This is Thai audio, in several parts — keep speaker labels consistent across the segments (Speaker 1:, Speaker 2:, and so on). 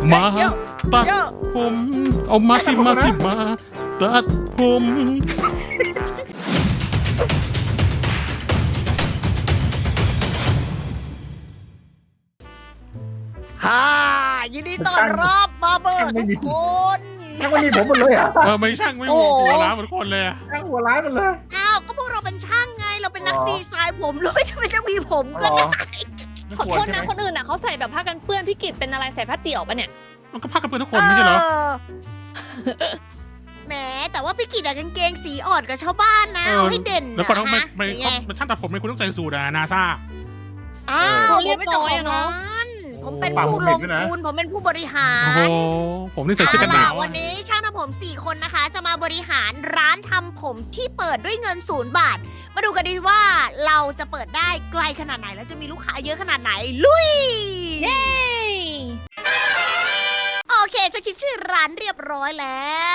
Speaker 1: มาตัดผมเอามาสิมาตัดผม
Speaker 2: ฮ่ายินดีต้อนรับมาเบอร์ทุกคน
Speaker 3: ช่างมันมีผมหมดเลยอ่ะ
Speaker 1: ไม่ช่างไม่หัวล้านเหมือนคนเลยอะ
Speaker 3: ช่างหัวร้ายหมดเลย
Speaker 2: อ้าวก็พวกเราเป็นช่างไงเราเป็นนักดีไซน์ผมเลยทำไมจะมีผมก็ได้
Speaker 4: ขอโทษนะคนอื่นน่ะเขาใส่แบบผ้ากันเปื้อนพี่กิตเป็นอะไรใส่ผ้าเตี่ยวปะเนี่ย
Speaker 1: มันก็พักกันเพื่อนทุกคนไม่ใช่เหรอ
Speaker 2: แหมแต่ว่าพี่กิตอะกางเกงสีอ่อนกับชาวบ้านนะเอาให้เด่น
Speaker 1: แล้วก็ต้อง
Speaker 2: นะ
Speaker 1: ไม่
Speaker 2: ฮะยังไง
Speaker 1: มันช่างตัดผมเลยคุณต้องใส่สูทอะนาซา
Speaker 2: อ้าว
Speaker 4: เรียบร้อยอะเนาะ
Speaker 2: ผมเป็นผู้ลงทุนผมเป็นผู้บริหา
Speaker 1: โอ้โห
Speaker 2: ร
Speaker 1: ผมนี่ใส่เสื้อกันหนาว
Speaker 2: วันนี้ช่างทำผม4คนนะคะ จะมาบริหารร้านทำผมที่เปิดด้วยเงิน0 บาท มาดูกันดีว่าเราจะเปิดได้ไกลขนาดไหนแล้วจะมีลูกค้าเยอะขนาดไหนลุย
Speaker 4: เย้
Speaker 2: โอเคฉันคิดชื่อร้านเรียบร้อยแล้ว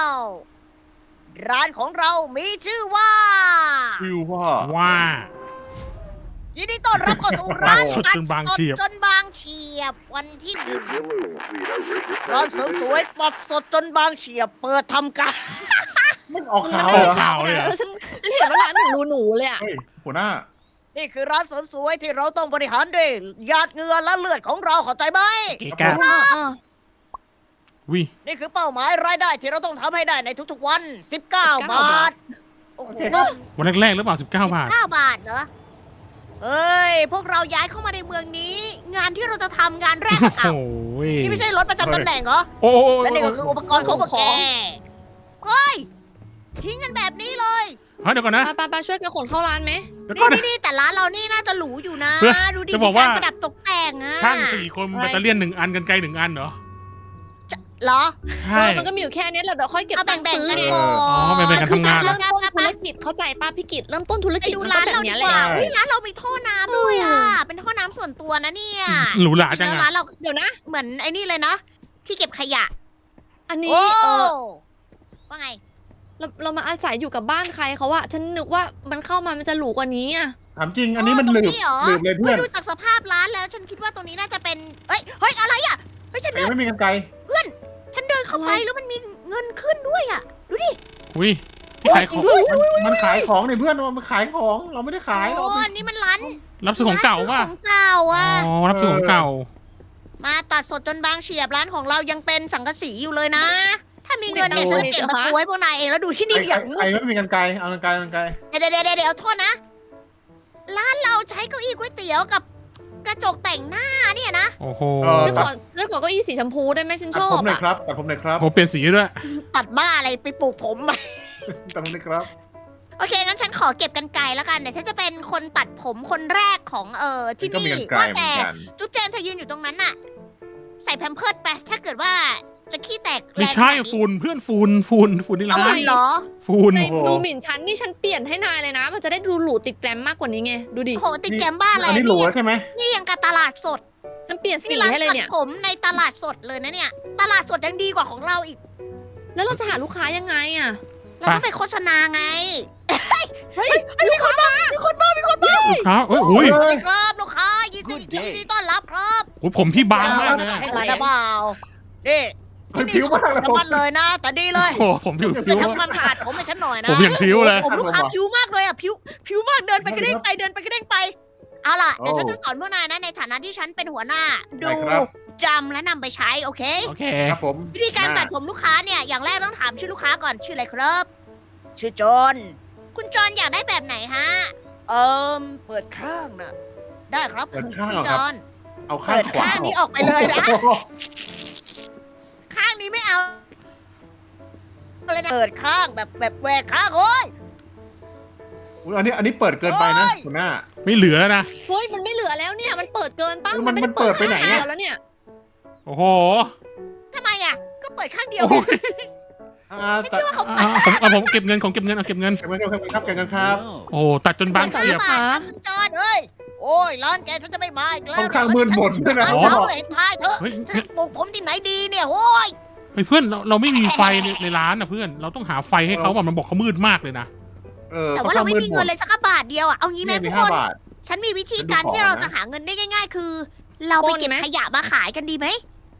Speaker 2: ร้านของเรามีชื่อว่า
Speaker 3: ชื่อว่า
Speaker 1: ว่า
Speaker 2: ยินดีต้อนรับเข้าสู่ร้าน
Speaker 1: สดจนบางเฉียบ
Speaker 2: จนบางเฉียบวันที่หนึ่งร้านเสริมสวยปัดสดจนบางเฉียบเปิดทำการ
Speaker 3: ไม่ออกข่าว
Speaker 1: อ
Speaker 3: เหร
Speaker 1: อก
Speaker 3: อ
Speaker 1: ข่าวเลยอะ
Speaker 4: ฉันเห็นว่าร้านหนูเลยอะ
Speaker 3: เฮ้ยหัวหน้า
Speaker 2: นี่คือร้านเสริมสวยที่เราต้องบริหารด้วยหยาดเหงื่อและเลือดของเราเข้าใจไหม
Speaker 1: เก๋กะวิ
Speaker 2: นี่คือเป้าหมายรายได้ที่เราต้องทำให้ได้ในทุกๆวัน 19 บาทโอ้โห
Speaker 1: วันแรกๆหรือเปล่า19 บาท
Speaker 2: 9 บาทเหรอเฮ้ย พวกเราย้ายเข้ามาในเมืองนี้ งานที่เราจะทำงานแรก
Speaker 1: โอ้
Speaker 2: อะ
Speaker 1: โห
Speaker 2: นี่ไม่ใช่รถประจำตำแหน่งเหรอ
Speaker 1: โอ้โห
Speaker 2: และนี่ก็คืออุปกรณ์ของพวกแกเฮ้ย ทิ้งกันแบบนี้เลย
Speaker 1: เฮ้ยเดี๋ยวก่อนนะ
Speaker 4: ป้าช่วยกันขนเข้าร้านไหม
Speaker 1: เดี๋ยวก่อนนะ
Speaker 2: นี่แต่ร้านเรานี่น่าจะหรูอยู่นะ
Speaker 1: เฮ้ย
Speaker 2: ดูดิ
Speaker 1: จะบ
Speaker 2: มี
Speaker 1: อกว่า
Speaker 2: การประดับตกแต่งอะ
Speaker 1: ช่าง4 คนแบตเตอรี่1 อันกันไกล1 อันเหรอ
Speaker 2: เหรอ
Speaker 1: ใช่
Speaker 4: มันก็มีอยู่แค่นี้แหละเดี๋ยวค่อยเก็บ
Speaker 2: เอา
Speaker 4: ตังค์
Speaker 2: แบ่ง
Speaker 4: ซื้อ
Speaker 2: ๆกัน
Speaker 4: ไง
Speaker 2: ก่อน
Speaker 1: อ๋อแบ่งๆกันทำงาน
Speaker 4: เริ่มต้นธุรกิจเข้าใจป้าพี่กิตเริ่มต้นธุร
Speaker 2: ไป
Speaker 4: กิจ
Speaker 2: ดู
Speaker 4: มัน
Speaker 2: ร้า
Speaker 4: ต้อน งแบบ
Speaker 2: เราดี
Speaker 4: เนี้ย
Speaker 2: ก
Speaker 4: แหละ
Speaker 2: ว่าเฮ้ยร้านเรามีท่อน้ำด้วยอะเป็นท่อน้ำส่วนตัวนะเนี่ย
Speaker 1: หรูหรา
Speaker 2: จริ
Speaker 1: จั
Speaker 2: ง
Speaker 1: ง
Speaker 2: ๆแล้ว
Speaker 1: อะ
Speaker 2: ร้านเรา
Speaker 4: เดี๋ยวนะ
Speaker 2: เหมือนไอ้นี่เลยนะ ที่เก็บขยะ
Speaker 4: อันนี้
Speaker 2: โอ้ ว่าไง
Speaker 4: เรามาอาศัยอยู่กับบ้านใครเขาอะฉันนึกว่ามันเข้ามามันจะหรูกว่านี้อะ
Speaker 3: ถามจริง อันนี้มันหลืบ
Speaker 2: เหรอ
Speaker 3: หลืบเลยเพื่อน
Speaker 2: ดูจากสภาพร้านแล้ว ฉันคิดว่าตรงนี้น่าจะเป็นเฮ้ยอะไรอ่ะเฮ้ยฉัน
Speaker 3: แต่
Speaker 2: เดิน
Speaker 3: ไม่มีกันไกล
Speaker 2: ฉันเดินเข้าไปแล้วมันมีเงินขึ้นด้วยอ่ะดูดิ
Speaker 1: อุ้ยที่ขายของ
Speaker 3: มันขายของเนี่ยเพื่อนมันขายของเราไม่ได้ขายเรา
Speaker 2: โอ้อันนี้มันร้าน
Speaker 1: รับซื้อของเก่า
Speaker 2: ร้น
Speaker 1: ว่ะ
Speaker 2: ซื้อของเก่าอ่ะ
Speaker 1: อ๋อรับซื้อของเก่า
Speaker 2: มาตัดสดจนบางเฉียบร้านของเรายังเป็นสังกะสีอยู่เลยนะ ถ้ามีเงินเนี่ยฉันจะเก็บมาตัวให้พวกนายเองแล้วดูที่นี่อย่าง
Speaker 3: ใครไม่มีกันไกลเอากันไกลกันไกล
Speaker 2: เดี๋ยวโทษนะ ร้านเราใช้เก้าอี้ก๋วยเตี๋ยวกับกระจกแต่งหน้าเนี่ยนะ
Speaker 1: โอ้โห
Speaker 4: ฉันขอเก้าอี้สีชมพูได้ไหมฉัน
Speaker 3: ตั
Speaker 4: ช
Speaker 3: ด
Speaker 4: อ
Speaker 3: ผ
Speaker 4: บ
Speaker 3: มหน่อย
Speaker 4: อะ
Speaker 3: ครับตัดผมหน่อยครับ
Speaker 1: โอ้เปลี่ยนสีด้วย
Speaker 2: ตัดบ้าอะไรไปปลูกผม
Speaker 3: ตัดผมหน่อยครับ
Speaker 2: โอเคงั้นฉันขอเก็บกันไกลแล้วกันเดี๋ยวฉันจะเป็นคนตัดผมคนแรกของที่
Speaker 3: ก็มี
Speaker 2: นี่
Speaker 3: กันไกล
Speaker 2: ว่า
Speaker 3: เหมือ
Speaker 2: แต่
Speaker 3: นกัน
Speaker 2: จุ๊บแจนเธอยืนอยู่ตรงนั้นน่ะ ใส่แพมเพิร์ดไปถ้าเกิดว่าจะขี้แตกแรง
Speaker 1: ไม่ใช่
Speaker 2: ขนาดนี้
Speaker 1: ฝุ่นเพื่อนฝุ่นที่
Speaker 2: เอา
Speaker 1: ร้า
Speaker 2: ฝุ่
Speaker 1: น
Speaker 2: นเหรอ
Speaker 1: ฝุ่น
Speaker 4: ในดูหมิ่นฉันนี่ฉันเปลี่ยนให้นายเลยนะ มันจะได้ดูหรูติดแกรมมากกว่านี้ไงดูดิ
Speaker 2: โอ้โหติดแกมบ้าอะไร
Speaker 3: อันนี้หลัวใช่ไหม
Speaker 2: นี่ยังกับตลาดสด
Speaker 4: ฉันเปลี่ยนสี
Speaker 2: นี่ร้าน
Speaker 4: ให้เลย
Speaker 2: ตัด
Speaker 4: เนี่ย
Speaker 2: ผมในตลาดสดเลยนะเนี่ย ตลาดสดยังดีกว่าของเราอีก
Speaker 4: แล้วเราจะหาลูกค้ายังไงอะ
Speaker 2: เราต้องไปโฆษณาไง
Speaker 4: เฮ้ยลูกค้ามา
Speaker 1: ลูกค้าเอ้ยอุ้ย
Speaker 2: ครับลูกค้ายินดีต้อนรับครับ
Speaker 1: โอ้ยผมพี่บางมากเลย
Speaker 2: ให้
Speaker 1: อะ
Speaker 2: คุณนะเปล่านี่
Speaker 3: เฮ้ย
Speaker 2: นี่
Speaker 3: ผิวมากเลย
Speaker 2: สมัดเลยนะ แต่ดีเลย
Speaker 1: โอ้โหผมผิว
Speaker 2: ไปทำความสะอาดผมให้ฉันหน่อยนะ
Speaker 1: ผมอย่างผิวเลย
Speaker 2: ผมลูกค้าผิวมากเลยอ่ะผิวมากเดินไปกระเด้งไปเดินไปกระเด้งไป เอาล่ะเดี๋ยวฉันจะสอนพวกนายนะในฐานะที่ฉันเป็นหัวหน้า ดูจำและนำไปใช้โอเค
Speaker 1: โอเค
Speaker 3: ครับผม
Speaker 2: วิธีการตัดผมลูกค้าเนี่ยอย่างแรกต้องถามชื่อลูกค้าก่อนชื่ออะไรครับ ชื่อจอห์นคุณจอห์นอยากได้แบบไหนฮะเปิดข้างนะได้ครับ
Speaker 3: เปิดข้าง
Speaker 2: คุณ
Speaker 3: เหรอ
Speaker 2: จ
Speaker 3: ครับ
Speaker 2: อห์น
Speaker 3: เอาข้าง
Speaker 2: เปิด
Speaker 3: ขวา
Speaker 2: ข้างนี้ออกไปเลยนะ
Speaker 3: โอ้โห
Speaker 2: ข้างนี้ไม่เอาเลยนะเปิดข้างแบบแหวกข้างโอ้ย
Speaker 3: อุ๊ยอันนี้เปิดเกินไปนะหัวหน้า
Speaker 1: ไม่เหลือนะ
Speaker 4: เฮ้ยมันไม่เหลือแล้วเนี่ยมันเปิดเกินป้า
Speaker 3: มันเปิดไปไหน
Speaker 4: ข้าง
Speaker 3: อะ
Speaker 4: เดียวแล้วเนี่ย
Speaker 1: โอ้โห
Speaker 2: ทำไมอ่ะก็เปิดข้างเดียว
Speaker 1: โอ้
Speaker 2: ไง
Speaker 1: ย
Speaker 2: ไม่เชื่อว่าเขา
Speaker 1: ผมเก็บเงินเก็บเงิน
Speaker 3: เก็บเงินครับเก็บเงินครับ
Speaker 1: โอ้ตัดจนบางเฉียบ
Speaker 2: คุณจอห์นเอ้ยโอ้ยร้านแกฉันจะไม่มาอีกแล้ว
Speaker 3: ค่อนข้างมืดมนด้วยนะ
Speaker 2: ร้านเราเห็นท้ายเถอะ
Speaker 1: เฮ้ย
Speaker 2: ฉันปลูกผมที่ไหนดีเนี่ยโอ้ย
Speaker 1: เฮ้ยเพื่อนเราไม่มีไฟในร้านนะเพื่อนเราต้องหาไฟให้เขาแบบมันบอกเขามืดมากเลยนะ
Speaker 2: แต่ว่าเราไม่มีเงินเลยสักบาทเดียวอ่ะเอางี้ไหม
Speaker 3: มี
Speaker 2: ทุกคน
Speaker 3: 5 บาท
Speaker 2: ฉันมีวิธีการที่เราจะหาเงินได้ง่าย ๆ คือ เราไปเก็บขยะมาขายกันดีไหม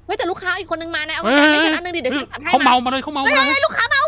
Speaker 4: เฮ้ยแต่ลูกค้าอีกคนนึงมานะเอาใจให้ฉันอันนึงดิเดี๋ยวฉันตัดให้
Speaker 1: เขาเมามาเลยเขาเมามาเลย
Speaker 2: ลูกค้าเมา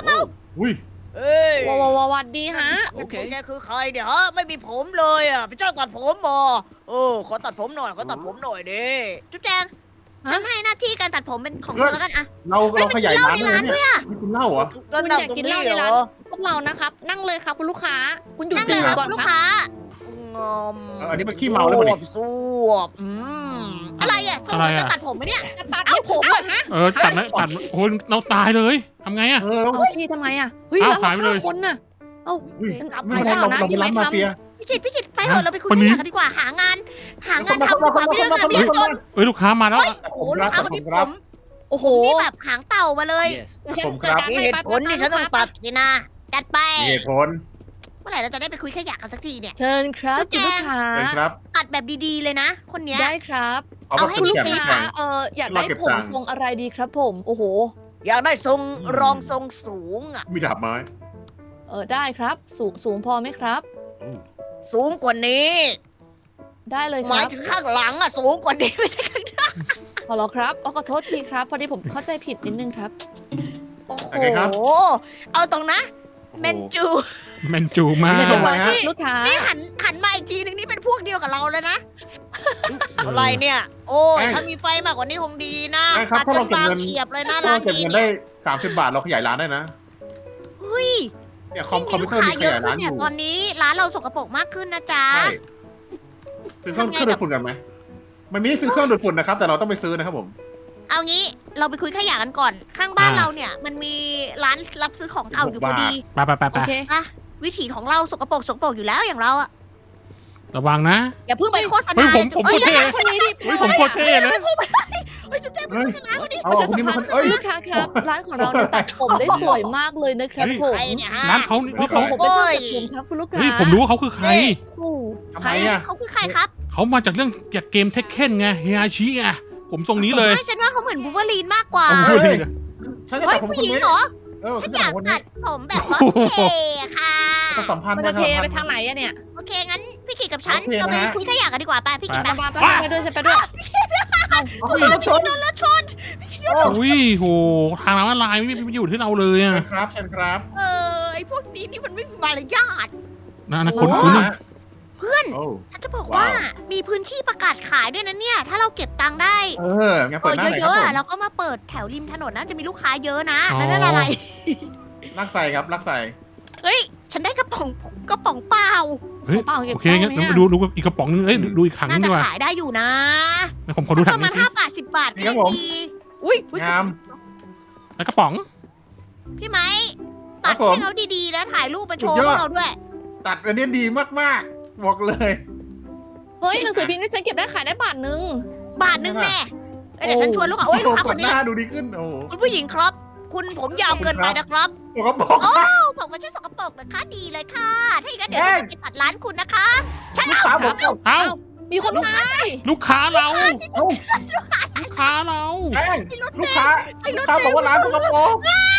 Speaker 3: อุ้ย
Speaker 2: เอ้ย
Speaker 4: วัดดีฮะ
Speaker 2: แกคือใครเนี่ยฮะไม่มีผมเลยอ่ะเป็นเจ้าตัดผมบอขอตัดผมหน่อยดิจุ๊บแจงฉันให้หน้าที่การตัดผมเป็นของเธอแล้วกันอะ
Speaker 3: เราขยายร้านเลยเนี่ยนี่คุณเล่าเหรอ
Speaker 4: คุณอยากกินเหล้าในร้านพวกเรานะครับนั่งเลยครับคุณลูกค้าคุณอยู่
Speaker 2: นั่ง
Speaker 4: ตื่
Speaker 2: เลย
Speaker 4: น
Speaker 2: ครับ
Speaker 4: ก่อน
Speaker 2: ลูก
Speaker 4: ครับ
Speaker 2: ค้า
Speaker 3: อันนี้มันขี้เมาแล้วมั้ง
Speaker 2: สวบอะไรอ่ะสรุปจะตัดผมไหมเนี่ย
Speaker 4: จะตัดให้ผมเหรอฮะ
Speaker 1: ตัดนะตัดโอ้ยเราตายเลยทำไงอะ
Speaker 4: เอาพี่ทำไมอ่ะเฮ้ย
Speaker 1: อ้าว
Speaker 4: แล้ว
Speaker 1: หายไปเลย
Speaker 4: คนน่ะ
Speaker 3: ไม่เป็นไรเราเป็นร้านมาเฟีย
Speaker 2: พี่กิตไปเถอะเราไปคุยกันดีกว่าหางานทำดีกว่าไม่เรื่องงานไม่เรื่องจน
Speaker 1: เอ้ยลูกค้ามาแล้ว
Speaker 2: โอ้ลูกค้าคนนี้ผม
Speaker 4: โอ้โห
Speaker 2: นี่แบบหางเต่ามาเลย
Speaker 4: เดี๋ยวฉัน
Speaker 3: ผมค
Speaker 4: จั
Speaker 3: รั
Speaker 4: ด
Speaker 3: บ
Speaker 4: การ
Speaker 2: มี
Speaker 4: ให้
Speaker 2: เหตุ
Speaker 4: ไป
Speaker 2: ผลที่ฉันต้องตัดสินะจัดไป
Speaker 3: มีเหตุผล
Speaker 2: เมื่อไหร่เราจะได้ไปคุยขยะกันสักทีเนี่ย
Speaker 4: เชิญครับคุณลูกค้า
Speaker 3: เลยครับ
Speaker 2: ตัดแบบดีๆเลยนะ คนเนี้ย
Speaker 4: ได้ครับ
Speaker 3: เอา
Speaker 4: คุณลูก
Speaker 3: แข็ง
Speaker 4: ค้าอยากได้
Speaker 3: เราเก็บ
Speaker 4: ผม
Speaker 3: ตังค์
Speaker 4: ทรงอะไรดีครับผมโอ้โห
Speaker 2: อยากได้ทรงรองทรงสูงอ่ะ
Speaker 3: มีดาบไม้
Speaker 4: ได้ครับสูงพอไหมครับ
Speaker 2: สูงกว่านี้
Speaker 4: ได้เลย
Speaker 2: ห
Speaker 4: ค
Speaker 2: มาย
Speaker 4: รับ
Speaker 2: ถึงข้างหลังอ่ะสูงกว่านี้ไม่ใช่ข้างหน้า
Speaker 4: ขอรอครับขอโทษทีครับพอดีผมเข้าใจผิดนิดนึงครับ
Speaker 2: โอ้โหเอาตรงนะเมนจู
Speaker 1: แมนจูมาก
Speaker 3: ไม่ทำไมฮะ
Speaker 4: ลูกค้า
Speaker 2: นี่หันมาอีกทีนึงนี่เป็นพวกเดียวกับเราเลยนะอะไรเนี่ย โอ้ยถ้ามีไฟมากกว่านี้คงดีนะตัดจนบางเฉียบเลยนะ
Speaker 3: ถ้า
Speaker 2: ร้า
Speaker 3: เรา
Speaker 2: น
Speaker 3: เก็บ
Speaker 2: นี้
Speaker 3: เงินได้30 บาทเราขยายร้านได้นะ
Speaker 2: เฮ้ย
Speaker 3: เนี่ยค
Speaker 2: ที่
Speaker 3: อม
Speaker 2: มี
Speaker 3: พิ
Speaker 2: ลู
Speaker 3: ว
Speaker 2: ก
Speaker 3: เตอร์
Speaker 2: ค้า
Speaker 3: มีข
Speaker 2: เยอะ
Speaker 3: ยาย
Speaker 2: ขึ้
Speaker 3: ร้าน นอ
Speaker 2: เนี่ย
Speaker 3: ยู่
Speaker 2: ตอนนี้ร้านเราสกปรกมากขึ้นนะจ๊ะ
Speaker 3: ใช่ซื้อเครื่องดูดฝุ่นกันไหมมันมีให้ซื้อเครื่องดูดฝุ่นนะครับแต่เราต้องไปซื้อนะครับผม
Speaker 2: เอางี้เราไปคุยขยะกันก่อน ข้างบ้านเราเนี่ย มันมีร้านรับซื้อของเก่าอยู่พอดี
Speaker 1: ไปไปไป
Speaker 4: โอเค
Speaker 2: อะวิถีของเราสกปรกอยู่แล้วอย่างเราอะ
Speaker 1: ระวังนะ
Speaker 2: อย่าเพิ่งไปโฆษ
Speaker 1: เฮ้
Speaker 2: ณาย
Speaker 1: ผม
Speaker 2: อ้ย
Speaker 1: โคตรเท่
Speaker 4: คนนี้ดิ
Speaker 1: เฮ้ยผมโคตรเท่เลย
Speaker 2: เฮ้ยจุ๊บแจ๊บ
Speaker 3: เฮ้ย
Speaker 2: โฆษณาคนนี้
Speaker 3: เอา
Speaker 4: ประชา
Speaker 3: คน
Speaker 4: สั
Speaker 3: นี้
Speaker 4: ม
Speaker 3: มา
Speaker 4: พัน
Speaker 3: คน
Speaker 4: ธ์
Speaker 3: เอ้ย
Speaker 4: ลูกค้าครับร้านของเราเนี่ยตัดผมได้สวยมากเลยนะครับผม
Speaker 2: ใครเนี่ยฮะ
Speaker 1: ร้านเขานี่
Speaker 4: ผม
Speaker 1: เขา
Speaker 4: เป็นช่างตัดผมครับคุณลูกค้า
Speaker 1: เฮ้ยผมรู้ว่าเขาคือใคร
Speaker 4: โอ้
Speaker 3: ทำ
Speaker 2: ใค
Speaker 3: ไม
Speaker 2: ร
Speaker 3: อ่ะ
Speaker 2: เขาคือใครครับ
Speaker 1: เขามาจากเรื่องจากเกมเทคเคนไงเฮียชิไงผมทรงนี้เลย
Speaker 2: ไม่ฉันว่าเขาเหมือนบูเวอรีนมากกว่า
Speaker 1: ผมพูดเลยนะ
Speaker 3: ฉันจะ
Speaker 2: เฮ้
Speaker 3: ตั
Speaker 2: ย
Speaker 3: ดผม
Speaker 2: ผู้
Speaker 3: ค
Speaker 2: ห
Speaker 3: น
Speaker 2: ญิง
Speaker 3: นี้
Speaker 2: เหรอ
Speaker 3: ฉั
Speaker 2: ฉั
Speaker 3: น
Speaker 2: น
Speaker 3: จะ
Speaker 2: อยาก
Speaker 3: คน
Speaker 2: ตั
Speaker 3: นี้
Speaker 2: ดผมแบบว่าเท่ค่ะ
Speaker 3: ต้องสัมพันธ์
Speaker 4: มันจะเทไปทางไหนอะเนี่ย
Speaker 2: โอเคงั้นพี่ขิดกับฉัน
Speaker 3: โอเค
Speaker 2: เราไป
Speaker 3: นะฮะ
Speaker 2: คุยขยะกันดีกว่าไปพี่ขิด
Speaker 4: มา
Speaker 2: มา
Speaker 4: ไปด้วยจะไปด้วย
Speaker 3: เอารถชน
Speaker 2: รถชน
Speaker 1: อุ้ยโหทางร้านลายไม่อยู่ที่เราเลยอ่ะ
Speaker 3: เชิญครับ
Speaker 2: ไอพวกนี้นี่มันไม่มีมารยาท
Speaker 1: นะคนคุ้น
Speaker 2: เพื่อน
Speaker 3: โอ้
Speaker 2: ฉันจะบอกว่ามีพื้นที่ประกาศขายด้วยนะเนี่ย ถ้าเราเก็บตังค์ได้
Speaker 3: งั้นเปิดหน้าไหน
Speaker 2: เย
Speaker 3: ครับ
Speaker 2: อะ
Speaker 3: ผ
Speaker 2: ๆ
Speaker 3: ม
Speaker 2: เราก็มาเปิดแถวริมถนนนะจะมีลูกค้าเยอะนะแล้วนั่นอะไร
Speaker 3: ลักใส่ครับลักใส่
Speaker 2: เฮ้ย ฉันได้กระป๋องเปล่า
Speaker 1: เฮ้ย
Speaker 4: เปล่าเก็บ
Speaker 1: โอเคงั้น
Speaker 4: ได้ไหมอะ
Speaker 1: ดูอีกกระป๋องนึงเอ้ยดูอีกถังนึ
Speaker 2: น่าง
Speaker 1: ดี
Speaker 2: จะ
Speaker 1: กว่า
Speaker 2: ขายได้อยู่นะ
Speaker 1: ผมขอดู
Speaker 2: สั
Speaker 1: ถั
Speaker 2: ก
Speaker 1: ง
Speaker 2: ประมา
Speaker 1: นี้
Speaker 2: ณ
Speaker 1: สิ
Speaker 2: 5 บาท 10 บาทก็ยังดีอุ้ย
Speaker 3: งาม
Speaker 1: แล้วกระป๋อง
Speaker 2: พี่ไม้ตัดให้เขาดีๆแล้วถ่ายรูปมาโชว์พวกเราด้วย
Speaker 3: ตัดอันนี้ดีมากๆบอกเลย
Speaker 4: เฮ้ยหนังสือพิมพ์ที่ฉันเก็บได้ขายได้บาทนึง
Speaker 2: บาทนึงแน่เดี๋ยวฉันชวนลูกค้าโอ้ยลูกค้าคน
Speaker 3: ห
Speaker 2: นี้
Speaker 3: น้าดูดีขึ้นโอ้
Speaker 2: คุณผู้หญิงครับ คุณผมยาวเกินไปนะครับ
Speaker 3: ตัวกระบอก
Speaker 2: ผมไม่ใช่สกปรกนะคะดีเลยค่ะ ถ้าอย่างนั้นเดี๋ยวฉันจะไปตัดร้านคุณนะคะ ฉัน
Speaker 3: ลูก
Speaker 2: เอา
Speaker 3: ค้าผม
Speaker 1: เอ้า
Speaker 4: มีคนตาย
Speaker 1: ลูกค้าเรา
Speaker 3: เอ้า
Speaker 1: ลูกค้าเรา
Speaker 3: แป้งลูกค้าบอกว่าร้านตัวกระบอก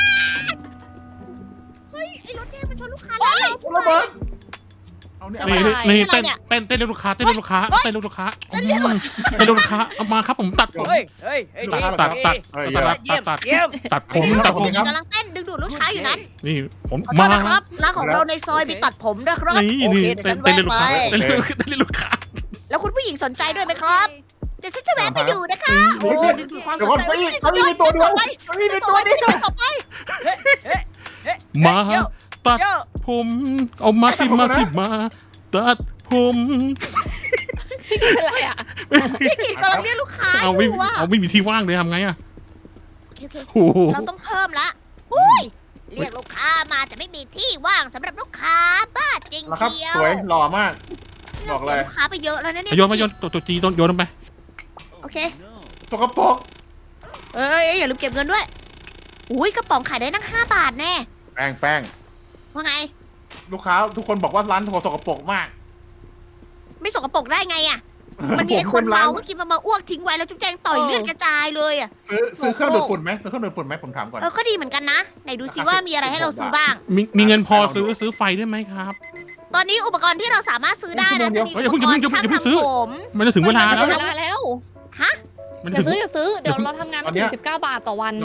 Speaker 2: ไอ้รถเนี่ยมันชนลูกค้าร้านเรา
Speaker 3: ระเบิดเอาเนี่ย
Speaker 1: นี่เต้นเรียกลูกค้าเต้นเรียกลูกค้าเต้นเรียกลูกค้าเต้นเรียกลูกค้าเอามาครับผมตัดผม
Speaker 2: เฮ้ย
Speaker 1: ตัด
Speaker 2: เยี่ยม
Speaker 1: ตัดผม
Speaker 2: กำลังเต้นดึงดูดลูกค้าอยู่นั้น
Speaker 1: นี่ผม
Speaker 2: ขอโท
Speaker 1: มา
Speaker 2: ษนะครับ ร้านของเราในซอยมีตัดผมด้วยครับ
Speaker 1: นี่
Speaker 2: โอ
Speaker 1: นี่
Speaker 2: เคเดี๋ยว
Speaker 1: เต้
Speaker 2: ฉั
Speaker 1: น
Speaker 2: น
Speaker 1: เต้น
Speaker 2: แวะ
Speaker 1: เรียกลูก
Speaker 2: ไป
Speaker 1: ค้าเต้นเรียกลูกค้า
Speaker 2: แล้วคุณผู้หญิงสนใจด้วยไหมครับเดี๋ยวฉันจะแวะไปดูนะคะ
Speaker 3: เดี๋ยวก่อนเขามีตัวเดียวเขามีตัวเดียว
Speaker 2: ต่อไป
Speaker 1: มาตัดผมเอามาสิมาตัดผม
Speaker 4: พี่กินเป็นไรอ่ะ
Speaker 2: พี่กิจกำลังเรียกลูกค้าอ
Speaker 1: เอา
Speaker 2: ยู่ว่า
Speaker 1: ไม่มีที่ว่างเลยทำไงอ่ะ
Speaker 2: โอเค
Speaker 1: โอ้โห
Speaker 2: เราต้องเพิ่มละอุ้ยเรียกลูกค้ามาแต่ไม่มีที่ว่างสำหรับลูกค้าบ้าจริง
Speaker 3: แล้วครับ
Speaker 2: เชียว
Speaker 3: สวยหล่อมาก บอกเลย
Speaker 2: ลูกค้าไปเยอะแล้วนะเนี่ย
Speaker 1: โยนตัวจีโยนลงไป
Speaker 2: โอเค
Speaker 3: ตัวกระบอก
Speaker 2: เอ้ยอย่าลืมเก็บเงินด้วยอุ้ยกระป๋องขายได้ตั้ง5 บาทแน่
Speaker 3: แป้ง
Speaker 2: ว่าไง
Speaker 3: ลูกค้าทุกคนบอกว่าร้านโถสกปรกมาก
Speaker 2: ไม่สกปรกได้ไงอ่ะ มันมีไอ้คนเมาเมื่อกี้มันมาอ้วกทิ้งไว้แล้วจุ๊บแจงต่อยเลือดกระจายเลยอ่ะ
Speaker 3: ซื้อเครื่องดูดฝุ่นไหมซื้อเครื่องดูดฝุ่นไหมผมถามก่อน
Speaker 2: ก็ดีเหมือนกันนะ ไหนดูซิว่ามีอะไรให้เราซื้อบ้าง
Speaker 1: มีเงินพอซื้อไฟได้ไหมครับ
Speaker 2: ตอนนี้อุปกรณ์ที่เราสามารถซื้อได้นะจะมี
Speaker 1: เฮ้ย
Speaker 2: อุปกรณ์
Speaker 1: อย่าเพิ่ง
Speaker 2: ช่าง
Speaker 1: ซื้อ
Speaker 2: ทำผม
Speaker 1: มันจะถึงเวลาแล้ว
Speaker 4: เวลาแล้ว
Speaker 2: ฮะ
Speaker 1: มัน
Speaker 4: อย่า
Speaker 1: ถึง
Speaker 4: ซื้ออย่าซื้อเดี๋ยวเราทำงานไม่ถึง19 บาทต่อวัน
Speaker 3: เรา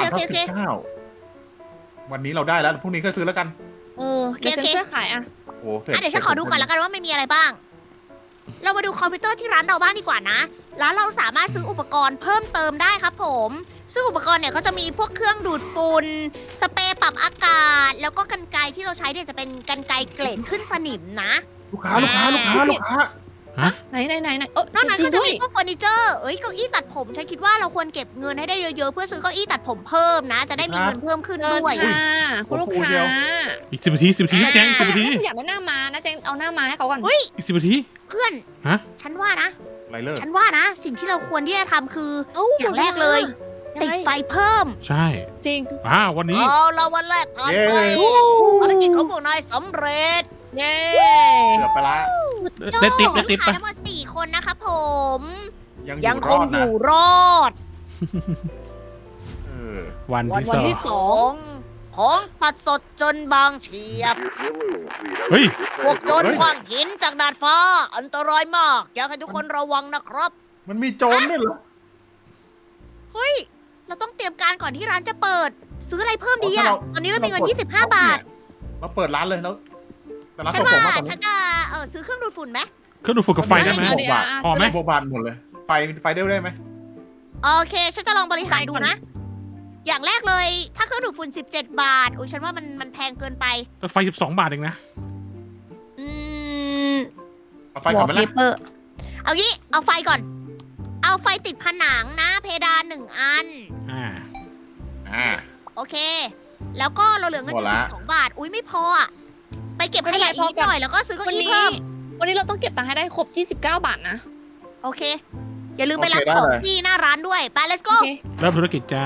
Speaker 3: 23/19วันนี้เราได้แล้วพรุ่งนี้ก็ซื้อแล้วกัน
Speaker 4: เดี๋ยวฉันช่วยขายอ่ะ
Speaker 3: โอ้เสร็จ
Speaker 2: เดี๋ยวฉันขอดูก่อนแล้วกันว่าไม่มีอะไรบ้าง เรามาดูคอมพิวเตอร์ที่ร้านเราบ้างดีกว่านะแล้วเราสามารถซื้ออุปกรณ์เพิ่มเติมได้ครับผมซึ่งอุปกรณ์เนี่ยก็จะมีพวกเครื่องดูดฝุ่นสเปรย์ปรับอากาศ แล้วก็กรรไกรที่เราใช้เนี่ยจะเป็นกรรไกรเกรดขึ้นสนิมนะ
Speaker 3: ลูกค้า
Speaker 4: ไหน
Speaker 2: นอกนั้น
Speaker 4: จริ
Speaker 2: ก็
Speaker 4: ง
Speaker 2: จะ
Speaker 4: ด้วย
Speaker 2: มีพวกเฟอร์นิเจอร์เก้าอี้ตัดผมฉันคิดว่าเราควรเก็บเงินให้ได้เยอะๆเพื่อซื้อเก้าอี้ตัดผมเพิ่มนะ จะได้มีเงินเพิ่มขึ้น
Speaker 4: เชิญ
Speaker 2: ด้วย
Speaker 4: ค่ะคุณลูกค้า
Speaker 1: อีก10 นาที10 นาทีแจง10 นาที
Speaker 4: อยากได้หน้าม้านะแจงเอาหน้าม้าให้เขาก่อน
Speaker 2: เฮ้ย
Speaker 1: อีก10 นาที
Speaker 2: เพื่อน
Speaker 1: ฮะ
Speaker 2: ฉันว่านะ
Speaker 3: ไรเลิก
Speaker 2: ฉันว่านะ สิ่งที่เราควรที่จะทำคือ
Speaker 4: เอ้า
Speaker 2: อย่างแรกเลย
Speaker 4: ยัง
Speaker 2: ติด
Speaker 4: ไง
Speaker 2: ไฟเพิ่ม
Speaker 1: ใช่
Speaker 4: จริง
Speaker 1: วันนี้
Speaker 2: เอาละวันแรกผ่านไปภารกิจของพวกนายสำเร็จ
Speaker 4: เย้
Speaker 3: เกือบไปละ
Speaker 1: ได้ติ๊บ
Speaker 2: ลู
Speaker 1: ได้
Speaker 2: ก
Speaker 1: ติ๊บ
Speaker 2: ค้า
Speaker 1: ปะ
Speaker 2: ทั้งหมด4 คนนะคะผม
Speaker 3: ยัง
Speaker 2: ค
Speaker 3: รอง ด
Speaker 2: อ
Speaker 3: นะ
Speaker 2: ยู่รอด
Speaker 1: วัน
Speaker 4: วัน
Speaker 1: ที่สอง
Speaker 4: ที่สอง
Speaker 2: ของตัดสดจนบางเฉียบ
Speaker 1: เฮ้ย
Speaker 2: พวกโจรขว้างหินจากดาดฟ้า อันตรายมาก อยากให้ทุกคนระวังนะครับ
Speaker 3: มันมีโจรด้วยเหรอ
Speaker 2: เฮ้ย เราต้องเตรียมการก่อนที่ร้านจะเปิด ซื้ออะไรเพิ่มดีอะตอนนี้เรามีเงิน 25 บาท
Speaker 3: เราเปิดร้านเลยแล้วแต่ร้าน
Speaker 2: ฉัน
Speaker 3: ของ
Speaker 2: ว่า
Speaker 3: ผมมาตอน
Speaker 2: ฉั
Speaker 3: นี้
Speaker 2: นจะซื้อเครื่องดูดฝุ่นไหม
Speaker 1: เครื่องดูดฝุ่นกับไฟได้ไหม
Speaker 3: 6 บาท
Speaker 1: พอไหม
Speaker 3: 6 บาทหมดเลย ไฟได้ไหม
Speaker 2: โอเค ฉันจะลองบริหารดูนะ อย่างแรกเลย ถ้าเครื่องดูดฝุ่น17 บาท อุ้ยฉันว่ามันแพงเกินไป
Speaker 1: แต่ไฟ12 บาทเองนะ
Speaker 2: อืม
Speaker 3: เอาไฟก่อนไหมล่ะ
Speaker 2: wallpaper เอางี้ เอาไฟก่อน เอาไฟติดผนังนะ เพดาน1 อัน
Speaker 3: อ่า
Speaker 2: โอเค แล้วก็เราเหลือเงินอยู่
Speaker 3: หมดละ
Speaker 2: 12 บาท อุ้ยไม่พออะไปเก็บขยะ
Speaker 4: ไม่เป็นไร
Speaker 2: อีกนิดหน่อยแล้วก็ซื้อเก้า
Speaker 4: วัน
Speaker 2: อี้
Speaker 4: นี้
Speaker 2: เพิ่ม
Speaker 4: วันนี้เราต้องเก็บตังค์ให้ได้ครบ 29 บาทนะ
Speaker 2: โอเค อย่าลืมไปรับของที่หน้าร้านด้วย ไป let's
Speaker 4: โอ
Speaker 2: go
Speaker 4: เค
Speaker 1: เริ่มธุรกิจจ้า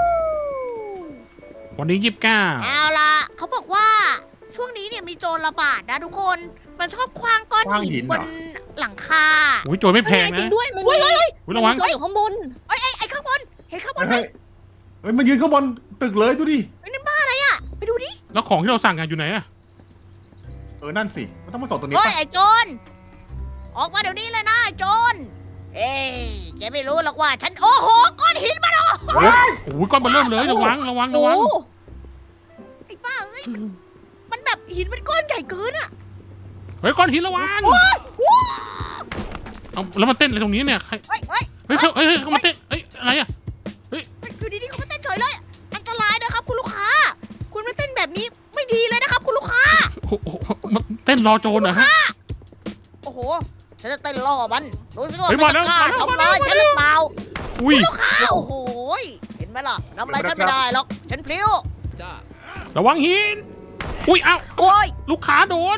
Speaker 1: วันนี้ 29
Speaker 2: เอาล่ะ เขาบอกว่าช่วงนี้เนี่ยมีโจรระบาดนะทุกคน มันชอบคว้างก้อนหินบนหลังคา
Speaker 1: อุ้ยโจรไม่แพง
Speaker 4: จริ
Speaker 1: นะ
Speaker 4: งด้วยมันมี
Speaker 1: อุ้ยระวัง
Speaker 4: ตัวอยู่ข้างบน
Speaker 2: ไอ้ข้างบน เห็นข้างบนไหม
Speaker 3: เฮ้ยมันยืนข้างบนตึกเลยดูดิ
Speaker 2: ไปดูดิ
Speaker 1: แล้วของที่เราสั่งกันอยู่ไหนอะ
Speaker 3: นั่นสิมันต้องมาส่งตรงนี้
Speaker 2: เฮ้ย
Speaker 3: ป่ะ
Speaker 2: ไอ้โจร ออกมาเดี๋ยวนี้เลยนะไอ้โจร เอ้ยแกไม่รู้หรอกว่า ฉันโอ้โหก้อนหินมัน
Speaker 1: โอ้ยก้อนเบอร์เริ่มเลยระวัง
Speaker 4: โอ้
Speaker 2: ไอ้บ้าเอ้ย มันแบบหินมันก้อนใหญ่เกินอะ
Speaker 1: เฮ้ยก้อนหินระวังเอาแล้วมาเต้นอะไรตรงนี้เนี่ยใคร
Speaker 2: เฮ้ยเฮ้ย
Speaker 1: เฮ้ยเขามาเต้นอะไรอะ
Speaker 2: อยู่ดีๆเขามาเต้นเฉยเลย อันตรายนะครับคุณลูกค้า คุณมาเต้นแบบนี้ไม่ดีเลยนะครับคุณลูกค้า
Speaker 1: โอ้โหมันเต้นรอโจรเหรอฮะ
Speaker 2: โอ้โห ฉันจะเต้นล่อมันดูสิว่า
Speaker 1: เฮ้ย
Speaker 2: มัน
Speaker 1: มาแล้
Speaker 2: จะ
Speaker 1: ว
Speaker 2: กล้า
Speaker 1: มาแล้ว
Speaker 2: ทำร้ายฉันหรือเปล่า
Speaker 1: อุ้ย
Speaker 2: ลูกค้า โอ้โห เห็นไหมล่ะทำอะไรฉันไม่ได้หรอก ฉันพลิ้ว
Speaker 1: ระวังหิน อุ้ยเอ้า
Speaker 2: โอ้ย
Speaker 1: ลูกค้าโดน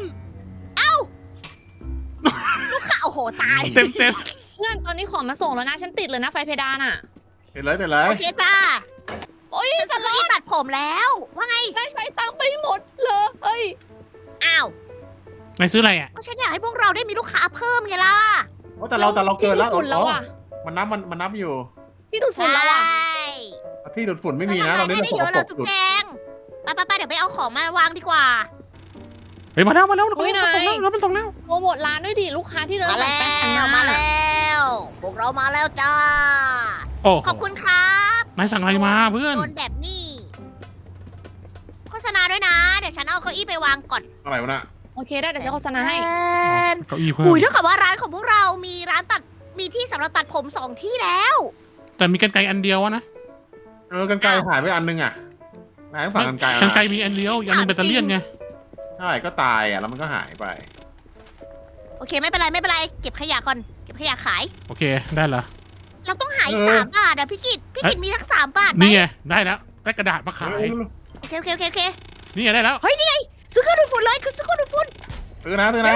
Speaker 2: ลูกค้า โอ้โห ตาย
Speaker 1: เต็ม
Speaker 4: เพื่อนตอนนี้ของมาส่งแล้วนะ ฉันติดเลยนะไฟเพดานอ่ะ
Speaker 3: เห็นเลย
Speaker 2: โอเคจ้า
Speaker 4: โอ้ย
Speaker 2: ฉันซื้อที่ตัดผมแล้ว ว่าไง
Speaker 4: ได้ใช้ตังค์ไปหมดเลยเอ้ย
Speaker 2: อ้าว
Speaker 1: นายซื้ออะไรอ่ะ
Speaker 2: ก็ฉันอยากให้พวกเราได้มีลูกค้าเพิ่มไงล่ะ
Speaker 3: แต่เราเกินแล้ว
Speaker 4: ที่ดูดฝุ่นแล้วอ่ะ
Speaker 3: มันนับอยู่
Speaker 4: ที่ดูดฝุ่นแล้วอ่ะ
Speaker 3: ที่ดูดฝุ่นไม่มีนะ
Speaker 2: เรา
Speaker 3: เรา
Speaker 2: ทำ
Speaker 3: เล่น
Speaker 2: ได้
Speaker 3: ส
Speaker 2: เย
Speaker 3: ก
Speaker 2: อะ
Speaker 3: ป
Speaker 2: เล
Speaker 3: ร
Speaker 2: ย
Speaker 3: ก
Speaker 2: จุ๊บ
Speaker 3: สุด
Speaker 2: แจงไปเดี๋ยวไปเอาของมาวางดีกว่า
Speaker 1: เฮ้ยมาแล้ว
Speaker 4: อุ้ยนาย
Speaker 1: เราเป็นส่งแล้ว
Speaker 4: โปรโมทร้านด้วยดิลูกค้าที่เดิน
Speaker 2: มา
Speaker 4: หลั
Speaker 2: แล้
Speaker 4: งแป้ง
Speaker 2: ว มาแล้ว พวกเรามาแล้วจ้า
Speaker 1: โอ้
Speaker 2: ขอบคุณครับ
Speaker 1: นายสั่งอะไรมาเพื่อน
Speaker 2: โดนแบบนี้ โฆษณาด้วยนะ เดี๋ยวฉันเอาเก้าอี้ไปวางก่อน
Speaker 3: อะไรวะน่ะ
Speaker 4: โอเคได้เดี๋ยวฉันโฆษณาให้
Speaker 1: เก้าอี้เพิ่ม
Speaker 2: อุ้ยเท่ากับว่าร้านของพวกเรามีร้านตัด มีที่สำหรับตัดผม2 ที่แล้ว
Speaker 1: แต่มีกรรไกรอันเดียวอะนะ
Speaker 3: กันไกลหายไปอันนึงอ่ะนายต้องสั่งกันไกล
Speaker 1: กรรไกรมีอันเดียวอีกอันหนึงแบตเตอรี่ไง
Speaker 3: ใช่ก็ตายอ่ะแล้วมันก็หายไป
Speaker 2: โอเคไม่เป็นไร เก็บขยะก่อน เก็บขยะขาย
Speaker 1: โอเคได้ละ
Speaker 2: เราต้องหาอีก
Speaker 3: เออ
Speaker 2: 3 บาทอะพี่กิตมีทั้ง3 บาทไหม
Speaker 1: นี่ไงได้แล้วได้กระดาษมาขาย
Speaker 2: โอเค
Speaker 1: นี่ไงได้แล้ว
Speaker 2: ซื้อเครื่องดูดฝุ่นเลยคือซื้อเครื่องดูดฝุ่น
Speaker 3: ซื้อนะ
Speaker 2: เร็ว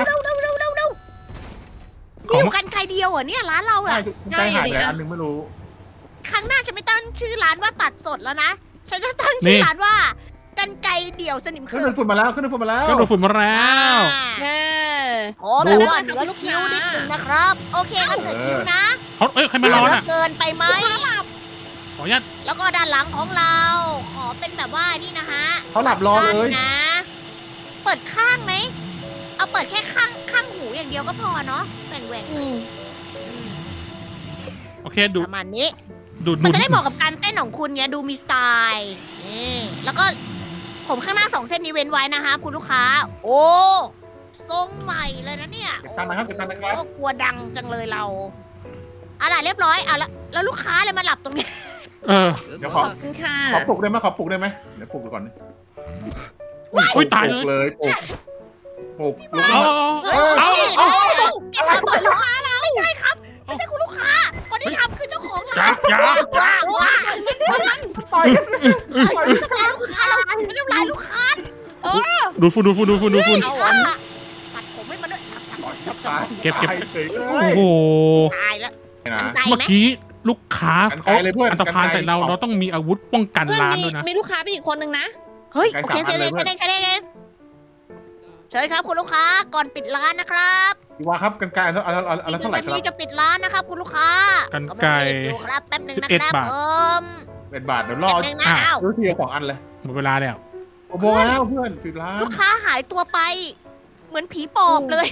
Speaker 2: มีอยู่กันไกลเดียวเหรอเนี่ยร้านเรา
Speaker 3: ใช่
Speaker 2: อะ
Speaker 3: ใจหายไปอันนึงไม่รู้
Speaker 2: ครั้งหน้าฉันไม่ตั้งชื่อร้านว่าตัดสดแล้วนะ ฉันจะตั้งชื่อร้านว่ากันไกลเดี่ยวสนิม
Speaker 3: ขึ้
Speaker 2: เขิ
Speaker 3: น
Speaker 2: น
Speaker 3: ดูดฝุ่นมาแล้ว
Speaker 1: เครื่องดูดฝุ่นมาแล้ว
Speaker 4: แน่
Speaker 2: ขอแบบว่าเหนือคิ้วนิดนึงนะครับ โอเคงั้นเหนือคิ้วนะ
Speaker 1: ใครมานอน
Speaker 2: เหลื
Speaker 1: อ่ะ
Speaker 2: เกินไปไหม
Speaker 1: ขออนุญาต
Speaker 2: แล้วก็ด้านหลังของเรา ขอเป็นแบบว่านี่นะฮะ
Speaker 3: เขาหลับรอเลย
Speaker 2: นะ เปิดข้างไหม เอาเปิดแค่ข้างหูอย่างเดียวก็พอเนาะแหว่ง
Speaker 4: อืม
Speaker 1: โอเคดู
Speaker 2: ประมาณนี้
Speaker 1: ดูด
Speaker 2: มันจะได้เหมาะกับการเต้นของคุณไงดูมีสไตล์นี่แล้วก็ผมข้างหน้า2 เส้นนี้เว้นไว้นะคะคุณลูกค้า โอ้ทรงใหม่เลยนะเนี่ย
Speaker 3: เก็บตังค์นะครับเก็บตังค์นะครับ
Speaker 2: โอ้กลัวดังจังเลยเราอะไรเรียบร้อยแล้วลูกค้าเลยมาหลับตรงนี้
Speaker 1: เออ
Speaker 3: เดี๋ยว
Speaker 4: ขอบคุณค่ะ
Speaker 3: ขอปลุกได้ไหมขอปลุกได้ไหมเดี๋ยวปลุกดูก่อน
Speaker 1: อุ้ยตายเลย
Speaker 3: ปลุกเลยปลุกลุก
Speaker 1: เอา
Speaker 3: ขึ้นมา
Speaker 1: เอา
Speaker 2: เฮ้ยนี่เลยทำต่อยลูกค้าเราไม่ใช่ครับไม่ใช่คุณลูกค้าคนที่ทำคือเจ้าของ
Speaker 1: จ้า
Speaker 2: ร้าน
Speaker 1: จ้า
Speaker 2: ว้าวว้าว
Speaker 3: ต่อย
Speaker 2: ไม่ทำลายลูกค้าเราไม่ทำลายลูกค้า
Speaker 1: ดูดฝุ่น
Speaker 2: เอาอ่ะปัดผมให้มันด้วยฉับ
Speaker 3: จับตาย
Speaker 1: เก็บ
Speaker 3: ตายฉยเล
Speaker 1: โอ้
Speaker 3: ย
Speaker 1: โห
Speaker 2: ตายแล้ว
Speaker 3: นะ
Speaker 2: ตาย
Speaker 1: เมื่อ
Speaker 2: ไหม
Speaker 1: กี้ลูกค้า
Speaker 3: กันไกลเลยเพื่อน
Speaker 1: อันตรพาน
Speaker 3: กันไกล
Speaker 1: ใส่เราเราต้องมีอาวุธป้องกัน
Speaker 4: เพื่อน
Speaker 1: ร้าน
Speaker 4: มี
Speaker 1: ด้วยนะ
Speaker 4: มีลูกค้าไปอีกคนนึงนะ
Speaker 2: เฮ้ย
Speaker 3: ไกล
Speaker 2: โอเค
Speaker 3: 3 อันเลยเพื่อน
Speaker 2: ใช่ได้เชิญครับคุณลูกค้าก่อนปิดร้านนะครับ
Speaker 3: พี่ว่าครับกันไกลอะไรเท่าไหร่
Speaker 2: อีก
Speaker 3: ค
Speaker 2: 1
Speaker 3: รับ
Speaker 2: นาทีจะปิดร้านนะครับคุณลูกค้า
Speaker 1: กัน
Speaker 2: กำลัง
Speaker 1: ไก่
Speaker 2: รีบอยู่ครับแป๊บหนึงนะครับ
Speaker 1: 11 บาท
Speaker 2: ผม
Speaker 3: เป็นบาทเดี๋ยวรอ
Speaker 2: แป๊บหนึงนะอ้าว
Speaker 3: ดูทีละ2 อันเลย
Speaker 1: หมดเวลาแล้ว
Speaker 3: โอ้โหแล้วเพื่อนปิดร้าน
Speaker 2: ลูกค้าหายตัวไป เหมือนผีปอบเลย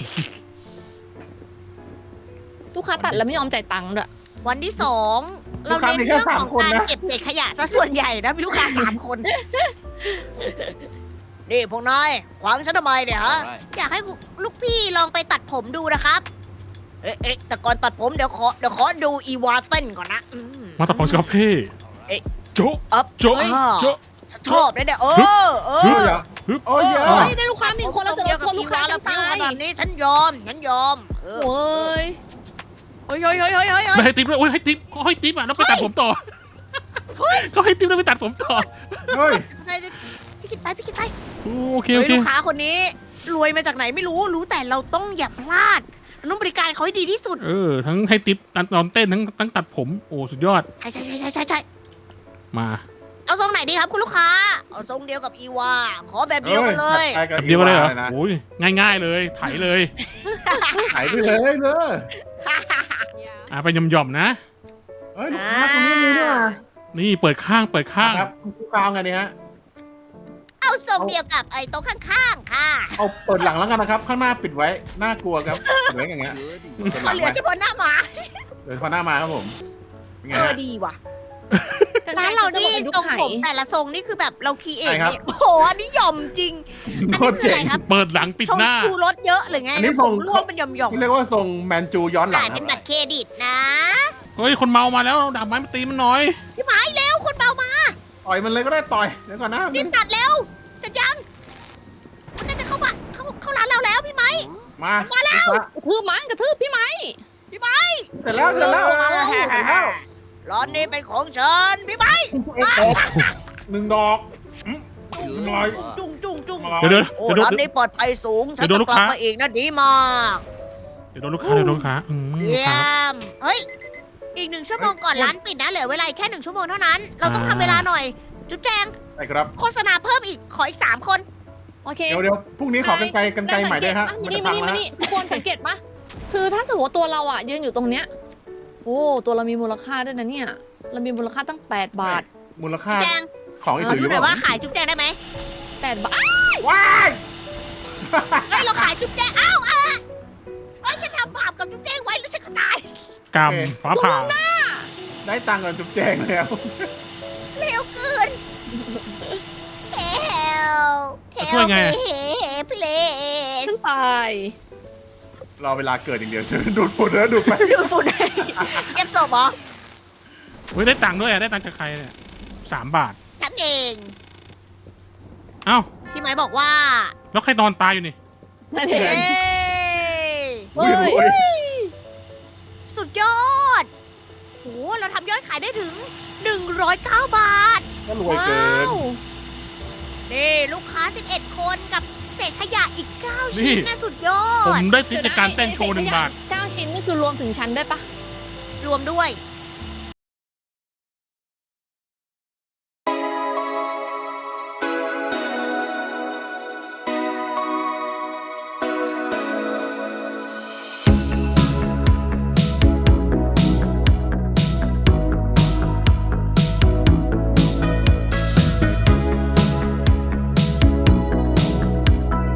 Speaker 4: ลูกค้าตัดแล้วไม่ยอมจ่ายตังค์ด้วย
Speaker 2: วันที่ 2 เราเน้นเรื่องของการเก็บเศษขยะซะส่วนใหญ่นะมีลูกค้า3 คน นี่พวกนายขวางฉันทำไมเนี่ยฮะ อยากให้ลูกพี่ลองไปตัดผมดูนะครับ เอ๊ะแต่ก่อนตัดผมเดี๋ยวขอดูอีวาเส้นก่อนนะ
Speaker 1: มาตรของสกอปเพ่
Speaker 2: เอ๊ะ
Speaker 1: โจ๊ะ
Speaker 2: อัพ
Speaker 1: โจ๊ะ
Speaker 2: เฮ้ย
Speaker 1: โจ๊ะ
Speaker 2: ชอบเลยเนี่ยเอ
Speaker 3: เฮ้ย
Speaker 2: อ
Speaker 3: อย่าโอ้ยอย่า
Speaker 4: เฮ้ยได้ลูกค้ามีคนแล้วเจอชนลูกค้า
Speaker 2: แล้
Speaker 4: กั
Speaker 2: วน
Speaker 4: ตาย
Speaker 2: ขนาดนี้ฉันยอมเออ
Speaker 4: โอ้ย
Speaker 2: เฮ้ย
Speaker 1: ไม่ให้ติ๊บด้วยโอ้ยให้ติ๊บเขาให้ติ๊บอ่ะแล้วไปตัดผมต่อเขาให้ติ๊บแล้วไปตัดผมต่อ
Speaker 3: เฮ้ย
Speaker 2: พี่คิดไป
Speaker 1: โอเค
Speaker 2: เฮ้ยลูกค้าคนนี้รวยมาจากไหนไม่รู้แต่เราต้องอย่าพลาดเราต้องบริการเขาให้ดีที่สุด
Speaker 1: ทั้งให้ติ๊บตอนเต้นทั้งตัดผมโอ้สุดยอด
Speaker 2: ใช่
Speaker 1: มา
Speaker 2: เอาทรงไหนดีครับคุณลูกค้าเอาทรงเดียวกับอีวาขอแบบเดียวกันเลย
Speaker 1: แบบเดียวกันเลยเหรอโอ้ยง่ายๆเลยไถเลย
Speaker 3: หายไปเลยเนอะ
Speaker 1: ไปหย่อมๆนะ
Speaker 3: เฮ้ยลูกค้าคนนี้มีด้วย
Speaker 1: นี่เปิดข้าง
Speaker 3: ครับลูกค้าเอาไงเนี่ยฮะ
Speaker 2: เอาทรงเดียวกับไอ้โต๊ะข้างๆค่ะ
Speaker 3: เอาเปิดหลังแล้วกันนะครับ ข้างหน้าปิดไว้ น่ากลัวครับเหลืออย่างเงี้ยเปิดหลัง
Speaker 2: เหลือ
Speaker 3: ไว้
Speaker 2: เฉพาะหน้าหมา
Speaker 3: เดี๋ยวพอหน้ามาครับผมเป็นไงฮะ
Speaker 2: ดีว่ะร้านเรานี่ทรงผมแต่ละทรงนี่คือแบบเราคีเอท
Speaker 3: ใช่ครับ
Speaker 2: นี่โอ้โหอันนี้หย่อมจริงอัน
Speaker 3: โค
Speaker 2: นี้
Speaker 3: ตร
Speaker 2: คือ
Speaker 3: เจ๋
Speaker 2: อะไร
Speaker 3: ง
Speaker 2: ครับ
Speaker 1: เปิดหลังปิด
Speaker 2: ทรง
Speaker 1: หน้า
Speaker 2: คูรถเยอะหรือไง
Speaker 3: อันนี้
Speaker 2: ผ
Speaker 3: ทรง
Speaker 2: มร่วงเป็นหย่อม
Speaker 3: ที่เรียกว่าทรงแมนจูย้อน
Speaker 2: ๆ
Speaker 3: หลั
Speaker 2: จ่าง ย
Speaker 3: ค
Speaker 2: เป็น
Speaker 3: รับ
Speaker 2: บัตรเครดิตนะ
Speaker 1: เฮ้ยคนเมามาแล้วดาบไม้มาตีมันหน่อย
Speaker 2: พี่ไม้เร็วคนเบามา
Speaker 3: ต่อยมันเลยก็ได้ต่อยเดี๋ยวก่อนนะ
Speaker 2: รีบตัดเร็วเสร็จยังมันน่าจะเข้าร้านเราแล้วพี่ไม้
Speaker 3: มาแล้ว
Speaker 4: กระทืบมันกระทืบพี่ไหม
Speaker 3: เสร็จแล้ว
Speaker 2: ร้านนี้เป็นของฉันพี่ไม้
Speaker 3: 1 ดอกหน่อย
Speaker 2: จุ้ง
Speaker 1: เดี๋ยว
Speaker 2: โอ้ร้านนี้ปลอดภัยสูงฉัน
Speaker 1: เดี๋ยว
Speaker 2: จะ
Speaker 1: ลูก
Speaker 2: กลับ
Speaker 1: ค้า
Speaker 2: มาอีกนะดีมาก
Speaker 1: เดี๋ยวโดนลูกค้าเดี๋ยวโดนลูกค้า
Speaker 2: เยี่
Speaker 1: ค
Speaker 2: ย
Speaker 1: รับ
Speaker 2: มเฮ้ยอีก1 ชั่วโมงก่อนร้านปิดนะเหลือเวลาอีกแค่1 ชั่วโมงเท่านั้น เราต้องทำเวลาหน่อย จุ๊บแจง
Speaker 3: ใช่ครับ
Speaker 2: โฆษณาเพิ่มอีกขออีก3 คน
Speaker 4: โอเค
Speaker 3: เดี๋ยวพรุ่งนี้ขอกันไกลใหม่ด้วยฮะ
Speaker 4: มา
Speaker 3: มัน
Speaker 4: นี่
Speaker 3: จะ
Speaker 4: มา
Speaker 3: พัง
Speaker 4: นี่
Speaker 3: แล้
Speaker 4: มาว นี่ทุกคนสังเกตปะคือถ้าสมมติว่าตัวเราอ่ะยืนอยู่ตรงเนี้ยโอ้ตัวเรามีมูลค่าด้วยนะเนี่ยเรามีมูลค่าตั้ง8 บาท
Speaker 3: มูลค่า
Speaker 2: แจง
Speaker 3: ของอีก
Speaker 2: เรา
Speaker 3: ถืออ
Speaker 2: ดู
Speaker 3: ยู่
Speaker 2: หน่อย
Speaker 3: เป
Speaker 2: ว่า
Speaker 3: ล่า
Speaker 2: ขายจุ๊บแจงได้ไหม
Speaker 4: 8 บาท
Speaker 3: ว้าย
Speaker 2: เฮ้ยเราขายจุ๊บแจงเอ้าเฮ้ยฉันทำบาปกับจุ๊บแจงไว้แล้วฉันก็ตาย
Speaker 1: กรรมฟ้าผ่า
Speaker 3: ได้ตังค์กับจุ๊บแจงแล้ว
Speaker 2: เร็วเกินเฮลเพล
Speaker 4: ฉันตาย
Speaker 3: รอเวลาเกิดอย่างเดียว ดูดฝุ่นแล้วดูดไป
Speaker 2: ดูฝุ่นเก็บศพเหรอ
Speaker 1: เฮ้ยได้ตังค์ด้วยได้ตังค์จากใครเนี่ย3 บาท
Speaker 2: ฉันเอง
Speaker 1: เอ้า
Speaker 2: พี่ไม้บอกว่า
Speaker 1: แล้วใครนอนตายอยู่นี่
Speaker 4: นั่นเอ
Speaker 2: เฮ้
Speaker 4: ง
Speaker 2: ย
Speaker 4: เฮ้ย
Speaker 2: สุดยอดโหเราทำยอดขายได้ถึง 109 บาท
Speaker 3: ก็รวยเกิ
Speaker 4: ว้าน ว
Speaker 2: นี่ลูกค้า 11 คนกับเศษขยะอีก 9
Speaker 1: นี่
Speaker 2: ชิ้นนะสุดยอ
Speaker 1: ผม
Speaker 2: ด
Speaker 1: ได้ติ๊บจากการเต้นโชว์1 บาท
Speaker 4: 9 ชิ้นนี่คือรวมถึงฉันด้วยปะ
Speaker 2: รวมด้วย